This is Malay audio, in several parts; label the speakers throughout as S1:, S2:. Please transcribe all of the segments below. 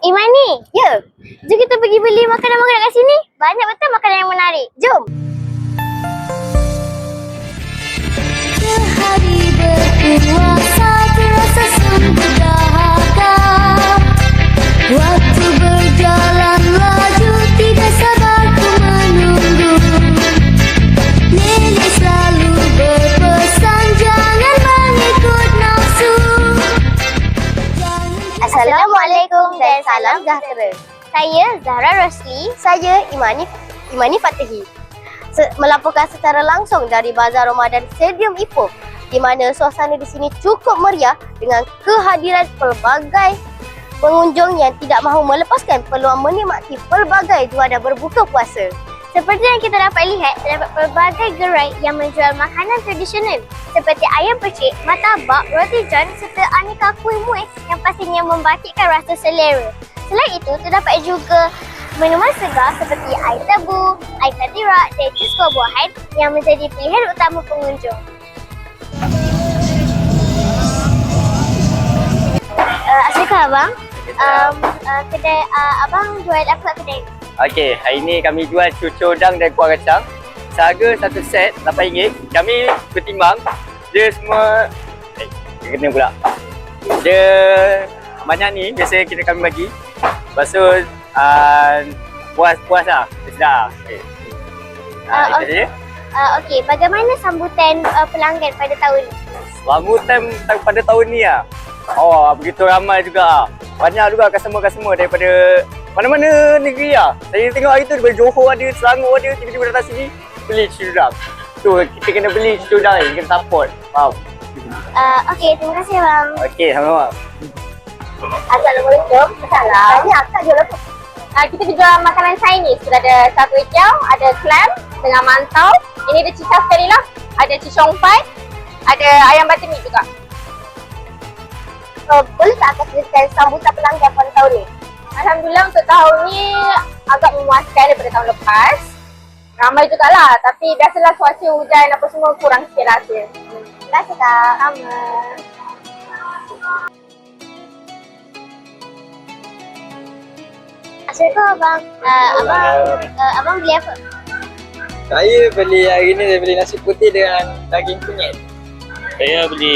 S1: Imani, ya. Jom kita pergi beli makanan-makanan kat sini. Banyak betul makanan yang menarik. Jom.
S2: Sehari berpuasa terasa sungguh dahaga. Waktu berjalan laju tidak sabar ku menunggu. Nenek selalu berpesan jangan mengikut nafsu.
S1: Assalamualaikum dan salam sejahtera. Saya Zahra Rosli. Saya Imani Fatihi. Melaporkan secara langsung dari Bazar Ramadan Stadium Ipoh, di mana suasana di sini cukup meriah dengan kehadiran pelbagai pengunjung yang tidak mahu melepaskan peluang menikmati pelbagai juadah berbuka puasa. Seperti yang kita dapat lihat, terdapat pelbagai gerai yang menjual makanan tradisional seperti ayam percik, martabak, roti john serta aneka kuih muih yang pastinya membangkitkan rasa selera. Selain itu, terdapat juga minuman segar seperti air tebu, air kadirak dan jus buah-buahan yang menjadi pilihan utama pengunjung. Assalamualaikum abang. Kedai abang jual apa kat kedai?
S3: Okey, hari ni kami jual cucur udang dan kuah kacang. Seharga satu set RM8. Kami bertimbang dia semua kena pula. Dia banyak ni biasa kami bagi. Lepas tu puas lah. Sedap. Okey. Itu dia.
S1: Okey, bagaimana sambutan pelanggan pada tahun ni?
S3: Sambutan pada tahun ni lah. Oh, begitu ramai juga. Banyak juga customer-customer daripada mana-mana negeri lah. Saya tengok hari tu daripada Johor ada, Selangor ada, tiba-tiba datang sini beli cucur udang. So, kita kena beli cucur udang ni, kita support. Faham?
S1: Okey, terima kasih bang.
S3: Okey, sama-sama.
S1: Assalamualaikum. Salam. Tanya akak jual apa?
S4: Kita jual makanan Chinese. Kita ada char kway teow, ada clam dengan mantau. Ini ada cicah sekali lah. Ada cicong pai, ada ayam butter meat juga.
S1: Boleh tak akak ceritakan sambutan pelanggan pada tahun ni?
S4: Alhamdulillah untuk tahun ni agak memuaskan daripada tahun lepas. Ramai jugalah, tapi biasalah cuaca hujan apa semua kurang sikit lah rasa.
S1: Terima kasih kak.
S4: Sama.
S1: Assalamualaikum abang. Abang beli apa?
S5: Saya beli hari ni saya beli nasi putih dengan daging kunyit.
S6: Saya beli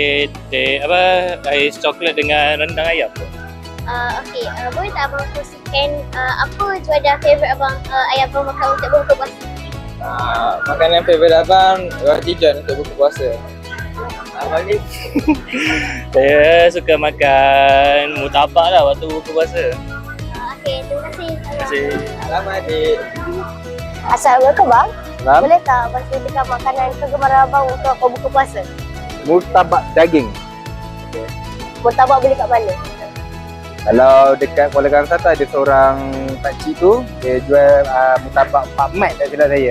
S6: ais coklat dengan rendang ayam.
S1: Okey, boleh tak abang kongsikan apa juadah favourite abang yang abang makan untuk berbuka puasa?
S5: Makanan favourite abang roti john untuk buka puasa. Abang ni
S6: Saya suka makan murtabak lah waktu buka puasa.
S1: Okey, terima kasih.
S6: Terima kasih.
S5: Selamat adik.
S1: Assalamualaikum bang.
S3: Salam.
S1: Boleh tak abang ceritakan makanan kegemaran abang untuk berbuka puasa?
S3: Murtabak daging.
S1: Murtabak beli kat mana?
S3: Kalau dekat Kuala Kangsar ada seorang pakcik tu, dia jual murtabak Pak Mat tak silap saya.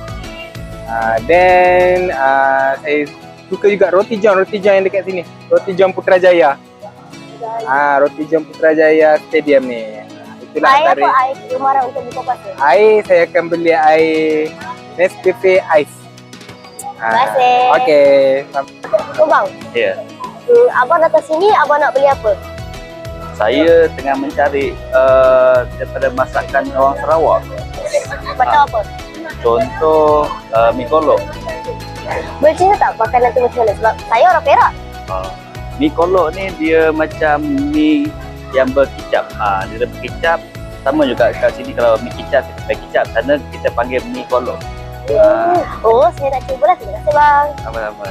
S3: Then saya suka juga roti john yang dekat sini. Roti john Putrajaya. Roti john Putrajaya Stadium ni. Itulah
S1: Air
S3: antara
S1: apa air kegemaran untuk buka puasa?
S3: air, saya akan beli air Nescafe Ice.
S1: Terima kasih.
S3: Okey.
S1: Bang,
S6: Ya.
S1: abang datang sini, abang nak beli apa?
S6: Saya tengah mencari daripada masakan orang Sarawak.
S1: Macam apa?
S6: Contoh mi kolok.
S1: Boleh cerita tak makanan tu macam mana? Sebab saya orang Perak.
S6: Mi kolok ni dia macam mi yang berkicap. Dia ada berkicap. Sama juga kat sini kalau mi kicap kita pakai kicap. Sana kita panggil mi kolok.
S1: Oh, saya nak cuba lah. Terima kasih bang.
S6: Sama-sama.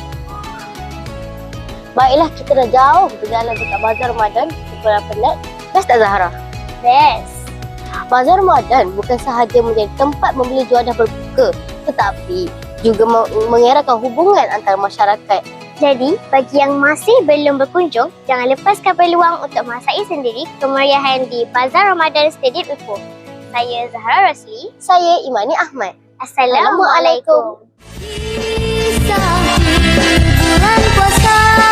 S1: Baiklah, kita dah jauh berjalan dekat Bazar Ramadan. Kita penat. Best tak Zahra? Best. Bazar Ramadan bukan sahaja menjadi tempat membeli juadah berbuka, tetapi juga mengeratkan hubungan antara masyarakat. Jadi, bagi yang masih belum berkunjung, jangan lepaskan peluang untuk merasai sendiri kemeriahan di Bazar Ramadan Stadium Ipoh. Saya Zahra Rosli. Saya Imani Ahmad. Assalamualaikum.
S2: Kisah bulan puasa.